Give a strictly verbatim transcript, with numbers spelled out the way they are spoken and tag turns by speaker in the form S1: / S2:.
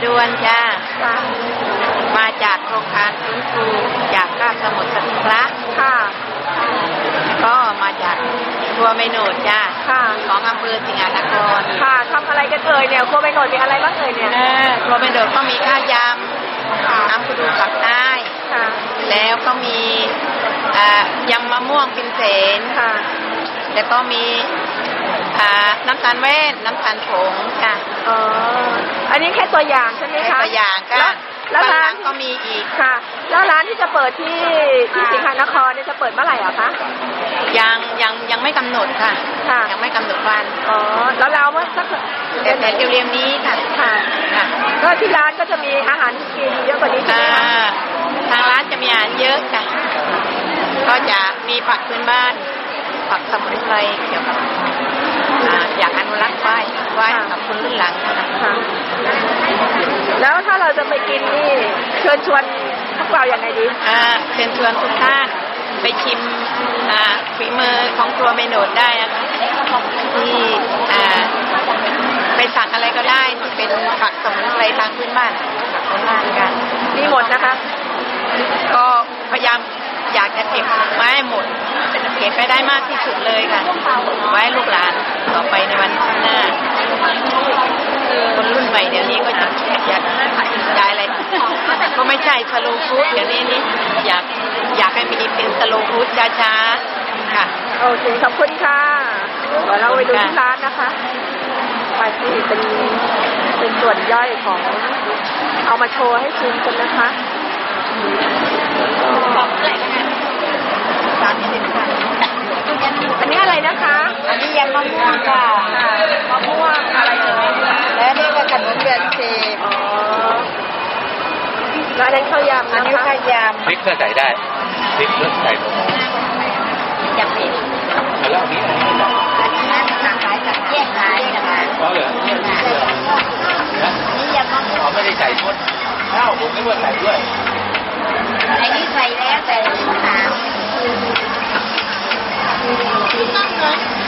S1: ดวนจ้ามาจากโครงการฟื้นฟูจากคาบสมุทรสงครามค่ะก็มาจากครัวไม่โหนดจ้าของอำเภอสิงหนครค่ะทำอะไรกันเอ่ยเนี่ยครัวไม่โหนดมีอะไรบ้างเอ่ยเนี่ยครัวไม่โหนดก็มีข้าวยำน้ำกระดูกปักใต้แล้วก็มียำมะม่วงปินเสนแล้วก็มีน้ำตาลแว่นน้ำตาลผงค่ะอ๋ออันนี้แค่ตัวอย่างใช่ไหมคะตัวอย่างค่ะแล้วร้านก็มีอีกค่ะแล้วร้านที่จะเปิดที่ที่สิงหนครเนี่ยจะเปิดเมื่อไหร่อ่ะคะยังยังยังไม่กำหนดค่ะค่ะยังไม่กำหนดวันอ๋อแล้วเราเมื่อสักเดือนเร็วๆนี้ค่ะค่ะค่ะก็ที่ร้านก็จะมีอาหารกินเยอะกว่านี้ใช่ไหมคะทางร้านจะมีอาหารเยอะค่ะก็จะมีผักพื้นบ้านผักสมุนไพรเกี่ยวกับอยากอนุรักษ์ไว้ไว้กับคนรุ่นหลังนะคะแล้วถ้าเราจะไปกินนี่เชิญชวนพวกเราอย่างไรดีอ่าเชิญชวนทุกท่านไปชิมอ่าฝีมือของครัวไม่โหนดได้นะคะที่อ่าไปสั่งอะไรก็ได้ที่เป็นผักสมุนไพรทางพื้นบ้านผักพื้นบ้านกันมีหมดนะคะก็พยายามอยากจะเก็บไว้หมดเก็บไปได้มากที่สุดเลยค่ะไว้ลูกหลานต่อไปในวันข้างหน้าคนรุ่นใหม่เดี๋ยวนี้ก็จะอยากได้อะไรก็ไม่ใช่สโลว์ฟู้ดเดี๋ยวนี้นี่อยากอยากให้มีเป็นสโลว์ฟู้ดช้าๆค่ะโอเคขอบคุณค่ะเดี๋ยวเราไปดูที่ร้านนะคะไปที่เป็นเป็นส่วนย่อยของเอามาโชว์ให้ชิมกันนะคะอันนี้อะไรนะคะอันนี้ยำมะม่วงค่ะมะม่วงอะไรเอ่ยและนี่ก็ขนมเดือนเชฟอ๋อแล้วอันนั้นข้าวยำอันนี้ข้าวยำพริกก็ใส่ได้พริกก็ใส่ลงยำเผ็ดแล้วอันนี้อันนี้อันนี้น่าจะขายจากแยกขายนะคะอ๋อเหรอนี่ยำมะม่วงไม่ได้ใส่ทุกข้าวผมไม่ว่าใส่ด้วยอันนี้ใส่แล้วแต่หาง